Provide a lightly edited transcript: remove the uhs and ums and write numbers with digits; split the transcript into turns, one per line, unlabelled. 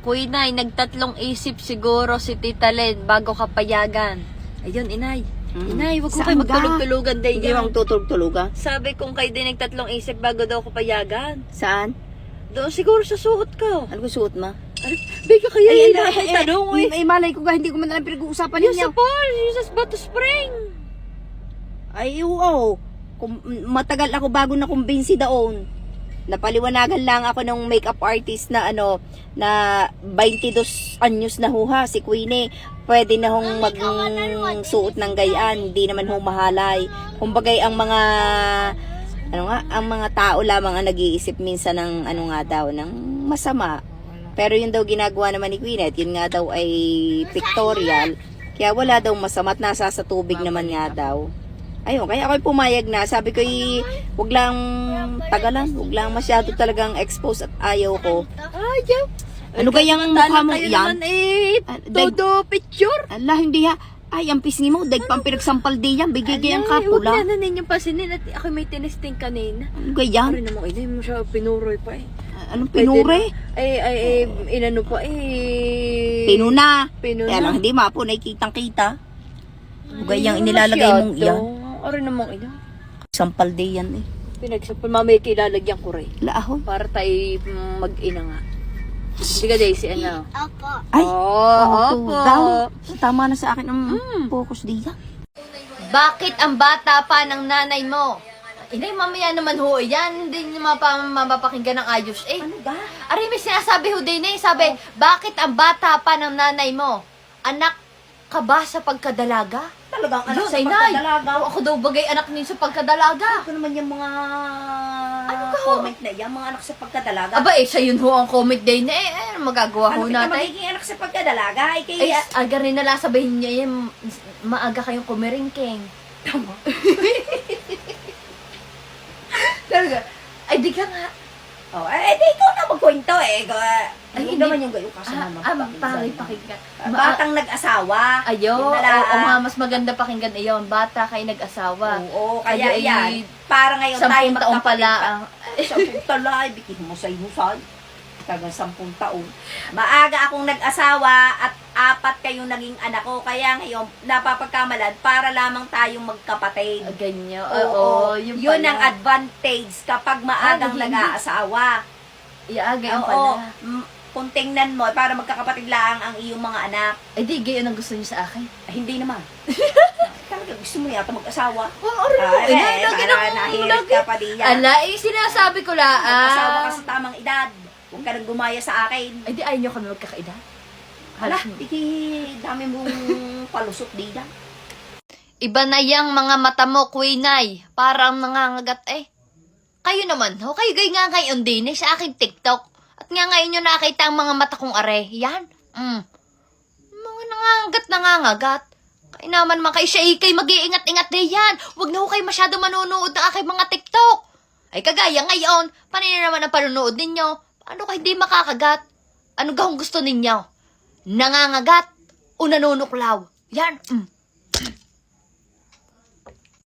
Kuinay, nagtatlong isip siguro si Tita Len bago ka payagan. Ayun, inay. Inay, wag ko kayo magtulog-tulugan din
Hindi
yan.
bang tutulog-tulugan?
Sabi kong kayo din nagtatlong isip bago daw ko payagan.
Saan?
Doon siguro sa suot ko.
Ano ko suot ma?
Bigla kaya yun na akong tanong eh.
Malay ko ga, hindi ko man alam pinag-uusapan
Yung
ninyo.
sa Paul, yung sa Bato Spring.
Ay, oo. Matagal ako bago na kumbinsi daon. Napaliwanagan lang ako ng makeup artist na na 22 anyos na huha, si Queenie. Pwede na hong magsuot ng gayaan, hindi naman hong mahalay. Kumbagay ang mga ang mga tao lamang ang nag-iisip minsan ng ng masama. Pero yun daw ginagawa naman ni Queenie, at yun nga daw ay pictorial. Kaya wala daw masama at nasa sa tubig naman nga daw. Ayun, kaya ako'y pumayag na. Sabi ko, wag lang tagalan, wag lang masyado talagang expose at ayaw ko.
Ayaw.
Ano kayang mukha mo
kayo
yan?
naman todo picture.
Allah, hindi ha. Ay, ang pisngi mo, dahil pang pinagsampal di yan, bigay gayang kapula.
Huwag na ninyong pasinin at ako may tinisting kanina.
Ano gayan?
Pare namang ina, mo siya pinuroy pa eh.
Anong pinure?
Inano pa eh.
Pinuna.
Pinuna.
Kaya lang, hindi mapo, nakikitang-kita. Gayang inilalagay mong iyan.
Pare namang ina.
Sampal di yan eh.
Pinagsapal, mamaya kilalagyan ko rin.
Laahon.
Para tayo mag-ina nga. Hindi ka Daisy, ano?
Ay,
Opo.
daw. Tama na sa akin ang focus di yan.
Bakit ang bata pa ng nanay mo? Inay, mamaya naman ho, yan, hindi niyo mapapakinggan ng ayos eh.
Ano ba?
Aray, may sinasabi ho din eh, sabi, bakit ang bata pa ng nanay mo? Anak ka ba sa pagkadalaga?
Talagang anak
Yun,
sa
ay, nay.
pagkadalaga.
Ako daw bagay anak niyo sa pagkadalaga.
Ano naman yung mga
ka, ho?
comment na yan, mga anak sa pagkadalaga.
Aba eh, siya yun ho ang comment din eh, magagawa
Ano
ho
kita
natin.
magiging anak sa pagkadalaga? Ay,
Ay,
kaya...
aga rin nala sabihin niya yan, maaga kayong kumiringking.
Tama.
Talaga? Ay, di ka nga.
Oh, di ikaw na magkwento eh. Ay,
Ay,
naman yung gayo kasama.
Pakinggan.
Batang nag-asawa.
Ayo,
Yun
oo
na lang.
nga, mas maganda pakinggan iyon. Bata kayo nag-asawa.
Oo, kaya
Ay,
yan. Para ngayon tayo
10 taong pala ang...
10 taon lang, bikin mo sa husay. Tagang 10 taon. Maaga akong nag-asawa at 4 kayong naging anak ko. Kaya ngayon, napapagkamalan para lamang tayong magkapatid.
Ganyan.
Oo,
Yun
yun
pala.
ang advantage kapag maagang
hindi.
nag-aasawa.
Ganyan
Oo,
pala.
kung tingnan mo, para magkakapatid lang ang iyong mga anak.
Ay, di, ganyan ang gusto niyo sa akin.
Hindi naman. Talaga gusto mo yata mag-asawa.
Oo, lagi
para nahirit ka pa diyan.
Ala, sinasabi ko lang.
Mag-asawa ka sa tamang edad. Huwag ka nang gumaya sa akin.
Ay, di, ayaw niyo kami magkakaedad.
Hala, dami mong palusot diyan.
Iba na yang mga mata mo, Queenay. Parang nangangagat eh. Kayo naman, ho? Kayo gay nga ngayon din eh, sa aking TikTok. At nga ngayon nyo nakita ang mga mata kong are. Yan. Mga nangangagat. Kaya naman mga kayo siya ikay mag-iingat-ingat din yan. Huwag na ho kayo masyado manonood ng aking mga TikTok. Ay kagaya ngayon, paano naman ang panonood ninyo? Paano kayo hindi makakagat? Ano gahong gusto ninyo? Nangangagat o nanunuklaw? Yan.